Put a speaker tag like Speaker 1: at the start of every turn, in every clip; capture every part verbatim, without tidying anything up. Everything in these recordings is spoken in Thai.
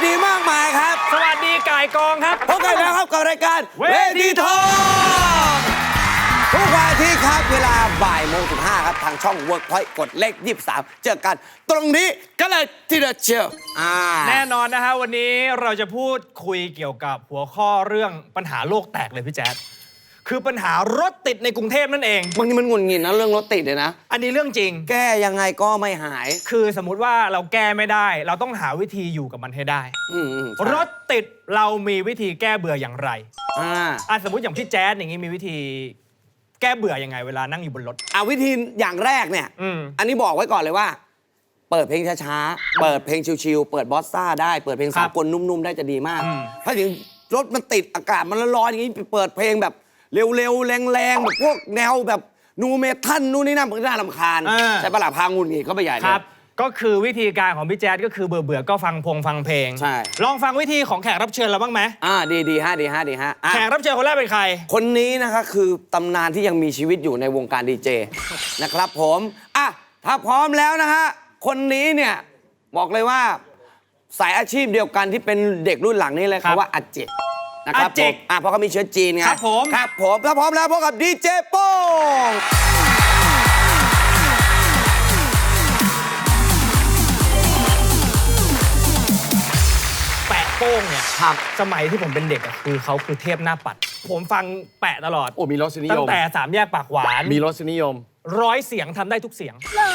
Speaker 1: ดีมากมายครับ
Speaker 2: สวัสดีก่ายกองครับ
Speaker 1: พบกันแล้วครับกับรายการเวทีทองทุกวันอาทิตย์ครับเวลาบ่ายโมงถึงห้าครับทางช่อง Workpoint กดเลขยี่สิบสามเจอกันตรงนี้ก็เลยทีเดียวเชียว
Speaker 2: แน่นอนนะฮะวันนี้เราจะพูดคุยเกี่ยวกับหัวข้อเรื่องปัญหาโลกแตกเลยพี่แจ๊ดคือปัญหารถติดในกรุงเทพนั่นเอง
Speaker 1: บางทีมันหงุดหงิดนะเรื่องรถติดเลยนะ
Speaker 2: อันนี้เรื่องจริง
Speaker 1: แก้ยังไงก็ไม่หาย
Speaker 2: คือสมมุติว่าเราแก้ไม่ได้เราต้องหาวิธีอยู่กับมันให้ได้รถติดเรามีวิธีแก้เบื่ออย่างไรอ่าอ่ะสมมติอย่างพี่แจ๊ดอย่างนี้มีวิธีแก้เบื่อยังไงเวลานั่งอยู่บนรถ
Speaker 1: อ่ะวิธีอย่างแรกเนี่ยออันนี้บอกไว้ก่อนเลยว่าเปิดเพลงช้าๆเปิดเพลงชิลๆเปิดบอสซ่าได้เปิดเพลงสากลนุ่มๆได้จะดีมากถ้าถึงรถมันติดอากาศมันร้อนๆอย่างนี้เปิดเพลงแบบเร็วๆแรงๆแบบพวกแนวแบบนูเมทัลนู่นนี่นั่นมันก็น่ารำคาญใช่ปะล่ะพางูงี้เขาไปใหญ่
Speaker 2: ครับก็คือวิธีการของพี่แจ๊ดก็คือเบื่อๆก็ฟังพงฟังเพลง
Speaker 1: ใช่
Speaker 2: ลองฟังวิธีของแขกรับเชิญเราบ้างไหม
Speaker 1: อ่าดีดีฮะดีฮะดีฮะ
Speaker 2: แขกรับเชิญคนแรกเป็นใคร
Speaker 1: คนนี้นะคะคือตำนานที่ยังมีชีวิตอยู่ในวงการดีเจนะครับผมอ่ะถ้าพร้อมแล้วนะฮะคนนี้เนี่ยบอกเลยว่าสายอาชีพเดียวกันที่เป็นเด็กรุ่นหลังนี่เลยเขาว่าอาเจกนะครับผมอ่ะเพราะเขามีเชื้อจีนไง
Speaker 2: ครับผม
Speaker 1: ครับผมถ้าพร้อมแล้วพบกับดีเจโป้ง
Speaker 2: แปะโป้งเนี่ยครับสมัยที่ผมเป็นเด็กอ่ะคือเขาคือเทพหน้าปัดผมฟังแปะตลอด
Speaker 3: โอ้มีรสนิยม
Speaker 2: ตั้งแต่สามแยกปากหวาน
Speaker 3: มีรสนิยม
Speaker 2: ร้อยเสียงทำได้ทุกเสียงเหรอ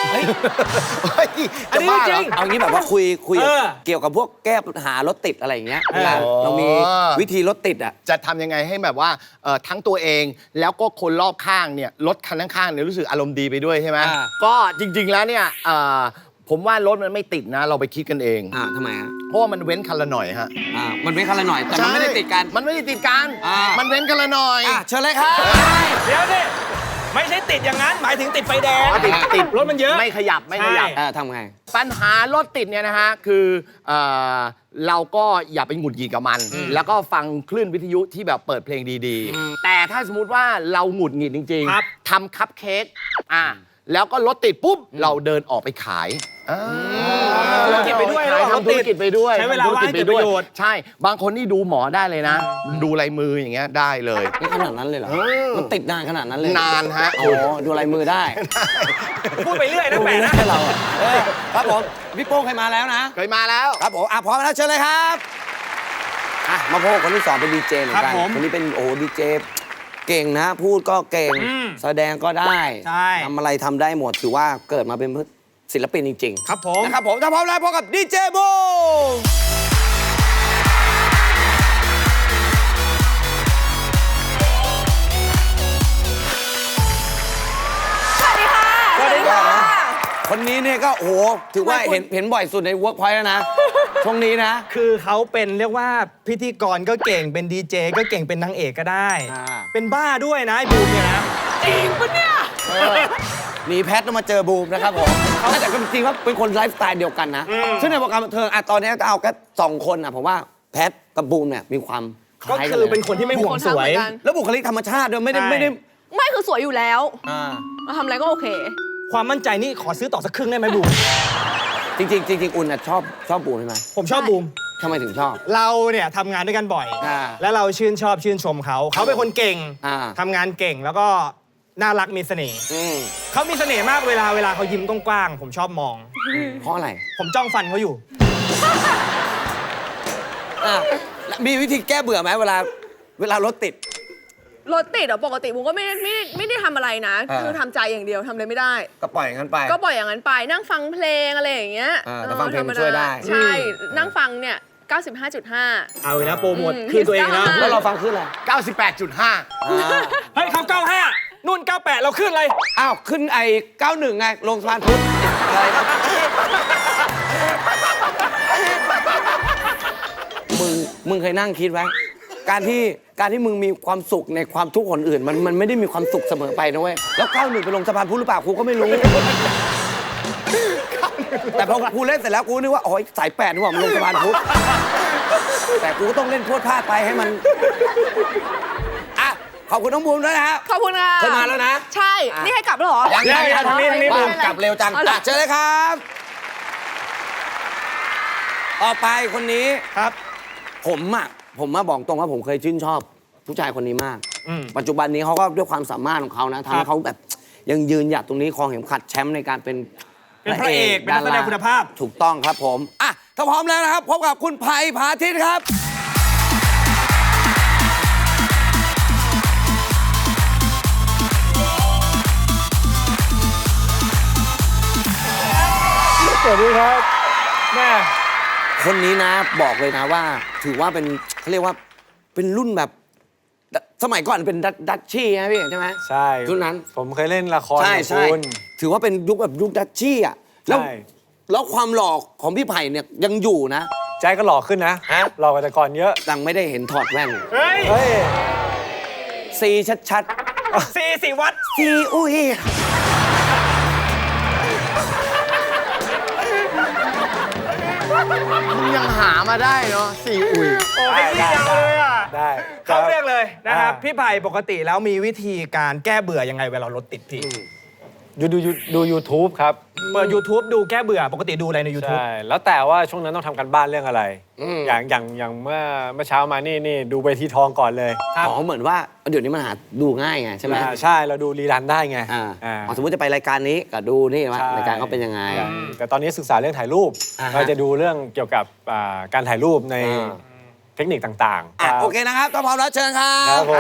Speaker 1: อันนี้จริงเอางี้แบบว่าคุยคุยเกี่ยวกับพวกแก้ปัญหารถติดอะไรอย่างเงี้ยเวลาเรามีวิธีรถติดอ่ะ
Speaker 3: จะทำยังไงให้แบบว่าทั้งตัวเองแล้วก็คนรอบข้างเนี่ยรถคันข้างๆเนี่ยรู้สึกอารมณ์ดีไปด้วยใช่ไหมก็จริงๆแล้วเนี่ยผมว่ารถมันไม่ติดนะเราไปคิดกันเอง
Speaker 1: อ่าทำไมฮะ
Speaker 3: เพราะว่ามันเว้นคันละหน่อยฮะ
Speaker 1: อ่ามันเว้นคันละหน่อยแต่มันไม่ได้ติดกัน
Speaker 3: มันไม่ได้ติดกันมันเว้นคันละหน่อย
Speaker 1: เชิญเลยครับ
Speaker 2: เดี๋ยวนี่ไม่ใช่ติดอย่างนั้นหมายถึงติดไฟแดง
Speaker 3: ติดติด
Speaker 2: รถมันเยอะ
Speaker 3: ไม่ขยับไม่ขยับ
Speaker 1: ทำไง
Speaker 3: ปัญหารถติดเนี่ยนะฮะคือเราก็อย่าไปหงุดหงิดกับมันแล้วก็ฟังคลื่นวิทยุที่แบบเปิดเพลงดีๆแต่ถ้าสมมุติว่าเราหงุดหงิดจริงๆทำคัพเค้กอ่าแล้วก็รถติดปุ๊บเราเดินออกไปขาย
Speaker 2: ธุรกิจไปด้วย
Speaker 3: ทำธุรกิจไปด้วย
Speaker 2: ใช้เวลาว่างให้เกิดประโยชน์
Speaker 3: ใช่บางคนนี่ดูหมอได้เลยนะดูลายมืออย่างเงี้ยได้เลย
Speaker 1: นี่ขนาดนั้นเลยเหรอมันติดนานขนาดนั้นเลย
Speaker 3: นานฮะ
Speaker 1: อ๋อดูลายมือได้
Speaker 2: พูดไปเรื่อยนะแปะนะ
Speaker 1: เราครับผมพี่โป้งเคยมาแล้วนะ
Speaker 3: เคยมาแล้ว
Speaker 1: ครับผมอ่ะพร้อมแล้วเชิญเลยครับอ่ะมาพบคนที่สองเป็นดีเจเหมือนกันคนนี้เป็นโอ้ดีเจเก่งนะพูดก็เก่งแสดงก็ได้ทำอะไรทำได้หมดถือว่าเกิดมาเป็นศิลปินจริง
Speaker 2: ๆครับผม
Speaker 1: นะครับผมถ้าพร้อมแล้วพบกับดีเจโบ
Speaker 4: สวัสดีค่ะ
Speaker 1: สวัสดีค่ะคนนี้เนี่ยก็โอ้โหถือว่าเห็นเห็นบ่อยสุดใน Workpoint แล้วนะช่วงนี้นะ
Speaker 2: คือเขาเป็นเรียกว่าพิธีกรก็เก่งเป็นดีเจก็เก่งเป็นนางเอกก็ได้เป็นบ้าด้วยนะไอ้บูมเนี่ยนะ
Speaker 4: จริงปะเนี่ย
Speaker 1: หนีแพทต้องมาเจอบูมนะครับผมแต่ก็จริงๆว่าเป็นคนไลฟ์สไตล์เดียวกันนะซึ่งในวงการบันเทิงอ่ะตอนนี้ก็เอาแค่สองคนอ่ะผมว่าแพทกับบูมเนี่ยมีความ
Speaker 2: คล้ายกันก็คือเป็นคนที่ไม่ห่วงสวย
Speaker 1: แล้วบุคลิกธรรมชาติด้วยไม่ได้ไม่ได้
Speaker 4: ไม่คือสวยอยู่แล้วมาทำอะไรก็โอเค
Speaker 2: ความมั่นใจนี่ขอซื้อต่อสักครึ่งได้ไหมบูม
Speaker 1: จริงๆจริงๆอุ่นชอบชอบบูมใช่ไหม
Speaker 2: ผมชอบบูม
Speaker 1: ทำไมถึงชอบ
Speaker 2: เราเนี่ยทำงานด้วยกันบ่อยแล้วเราชื่นชอบชื่นชมเขาเขาเป็นคนเก่งทำงานเก่งแล้วก็น่ารักมีเสน่ห์เขามีเสน่ห์มากเวลาเวลาเขายิ้มกว้างๆผมชอบมอง
Speaker 1: เพราะอะไร
Speaker 2: ผมจ้องฟันเขาอยู่
Speaker 1: มีวิธีแก้เบื่อไหมเวลาเวลารถติด
Speaker 4: รถติดอ่ะปกติผมก็ไม่ไม่ไม่ได้ทำอะไรนะคือทำใจอย่างเดียวทำอะไรไม่ได้
Speaker 1: ก็ปล่อยอย่างนั้นไป
Speaker 4: ก็ปล่อยอย่างนั้นไปนั่งฟังเพลงอะไรอย่างเงี้ย
Speaker 1: แต่ฟังเพลงมันช่วยได้
Speaker 4: ใช่นั่งฟังเนี่ยเก้าสิบห้าจุดห้า
Speaker 2: เอาเลยนะโปรโมทคือตัวเองนะ
Speaker 1: แล้วเราฟังขึ้นอะไร
Speaker 3: เก้าสิบแปดจุดห้า
Speaker 2: เฮ้ยเขาเก้าห้านู่นเก้าแปดเราขึ้นอะไร
Speaker 1: อ้าวขึ้นไอ้เก้าหนึ่งไงลงสะพานพุทธอะไรมึงมึงเคยนั่งคิดไว้การที่การที่มึงมีความสุขในความทุกข์คนอื่นมันมันไม่ได้มีความสุขเสมอไปนะเว้ยแล้วเก้าหนึ่งไปลงสะพานพุทธหรือเปล่ากูก็ไม่รู้แต่พอกูเล่นเสร็จแล้วกูนึกว่าอ๋อสายแปดนี่หว่ามันลงสะพานพุทธแต่กูก็ต้องเล่นพวดพลาดไปให้มันอ่ะขอบคุณน้องบูมด้วยนะฮะ
Speaker 4: ขอบคุณค่ะ
Speaker 1: เคยมาแล้วนะ
Speaker 4: ใช่นี่ให้กลับแล้วเหรอ
Speaker 1: ยังยังยังทางนี้ทางนี้บูมกลับเร็วจังเชิญเลยครับต่อไปคนนี้
Speaker 2: ครับ
Speaker 1: ผมอ่ะผมมาบอกตรงว่าผมเคยชื่นชอบผู้ชายคนนี้มาก
Speaker 2: อืม
Speaker 1: ปัจจุบันนี้เขาก็ด้วยความสามารถของเขานะทำ
Speaker 2: ครั
Speaker 1: ให้
Speaker 2: บ
Speaker 1: เขาแบบยังยืนหยัดตรงนี้ครองเข็มขัดแชมป์ในการเป็น
Speaker 2: เป็นพระเอกเป็นนักแสดงคุณภาพ
Speaker 1: ถูกต้องครับผมอ่ะถ้าพร้อมแล้วนะครับพบกับคุณไผ่พาทิตย์ครับ
Speaker 5: สวัสดีครับแม่
Speaker 1: คนนี้นะบอกเลยนะว่า ถือว่าเป็นเขาเรียกว่าเป็นรุ่นแบบสมัยก่อนเป็นดัชดัชชี่นะพี่ใช่ไหม
Speaker 5: ใช่
Speaker 1: รุ่นนั้น
Speaker 5: ผมเคยเล่นละคร
Speaker 1: ใช่
Speaker 5: กับ
Speaker 1: ใช่
Speaker 5: คุณ
Speaker 1: ถือว่าเป็นยุคแบบยุคดัชชี่อ่ะแล้ว
Speaker 5: ใช่
Speaker 1: แล้วความหล่อของพี่ไผ่เนี่ยยังอยู่นะ
Speaker 5: ใจก็หล่อขึ้นนะ
Speaker 1: ฮะ
Speaker 5: หล่อกว่าแต่ก่อนเยอะ
Speaker 1: ดังไม่ได้เห็นถอดแว่น
Speaker 2: เฮ้ย
Speaker 5: เฮ้ย
Speaker 1: ซีชัด
Speaker 2: สี่สี่วัด
Speaker 1: ๆซีอุ้ย
Speaker 3: ยังหามาได้เนาะสี่อุ๋ย
Speaker 2: โอ้ยพี่ยาวเลยอ่ะ
Speaker 5: ได้
Speaker 2: เข้าเรื่องเลยนะครับ
Speaker 5: อ่า
Speaker 2: พี่ไผ่ปกติแล้วมีวิธีการแก้เบื่อยังไงเวลารถติดพี่
Speaker 5: ดูดูดู YouTube ครับ
Speaker 2: เปิด YouTube ดูแก้เบื่อปกติดูอะไรใน YouTube
Speaker 5: ใช่ แล้วแต่ว่าช่วงนั้นต้องทำกันบ้านเรื่องอะไร อย่างอย่างอย่างเมื่อเมื่อเช้ามานี่นี่ดูเวทีทองก่อนเลย
Speaker 1: อ๋อเหมือนว่าเดี๋ยวนี้มันหาดูง่ายไงใช่ไหม
Speaker 5: อ่าใช่เราดูรีรันได้ไง
Speaker 1: อ่า
Speaker 5: อ่า
Speaker 1: อ๋อสมมติจะไปรายการนี้ก็ดูนี่ว่า
Speaker 5: ใช่
Speaker 1: รายการเขาเป็นยังไง
Speaker 5: ใช่แต่ตอนนี้ศึกษาเรื่องถ่ายรูป
Speaker 1: อ่าฮะ
Speaker 5: เราจะดูเรื่องเกี่ยวกับอ่าการถ่ายรูปใน
Speaker 1: อ่า
Speaker 5: เทคนิคต่างๆ
Speaker 1: อ่ะ
Speaker 5: รับ
Speaker 1: โอเคนะครับถ้าพร้อมแล้วเชิญครั
Speaker 5: ครับ บผม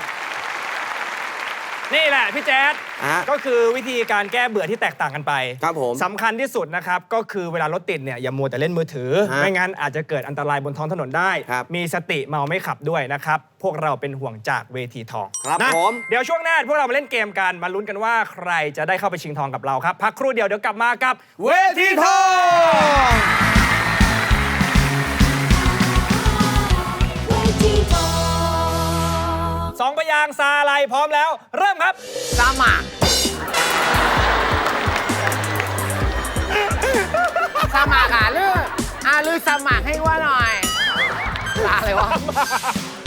Speaker 2: นี่แหละพี่แจ๊ด
Speaker 1: อ่ะ
Speaker 2: ก็คือวิธีการแก้เบื่อที่แตกต่างกันไป
Speaker 1: ครับผม
Speaker 2: สำคัญที่สุดนะครับก็คือเวลารถติดเนี่ยอย่ามัวแต่เล่นมือถือ
Speaker 1: ฮะ
Speaker 2: ไม่งั้นอาจจะเกิดอันตรายบนท้องถนนได้
Speaker 1: ครับ
Speaker 2: มีสติเมาไม่ขับด้วยนะครับพวกเราเป็นห่วงจากเวทีทอง
Speaker 1: ครับ
Speaker 2: นะ
Speaker 1: ผม
Speaker 2: เดี๋ยวช่วงหน้าพวกเรามาเล่นเกมกันมาลุ้นกันว่าใครจะได้เข้าไปชิงทองกับเราครับพักครู่เดียวเดี๋ยวกลับมากับเวทีทอง สองพยางค์ซาอะไรพร้อมแล้ว เริ่มครับ
Speaker 3: สมัครสมัครอ่ะลืออ่ะลือสมัครให้ว่าหน่อยอะไรวะ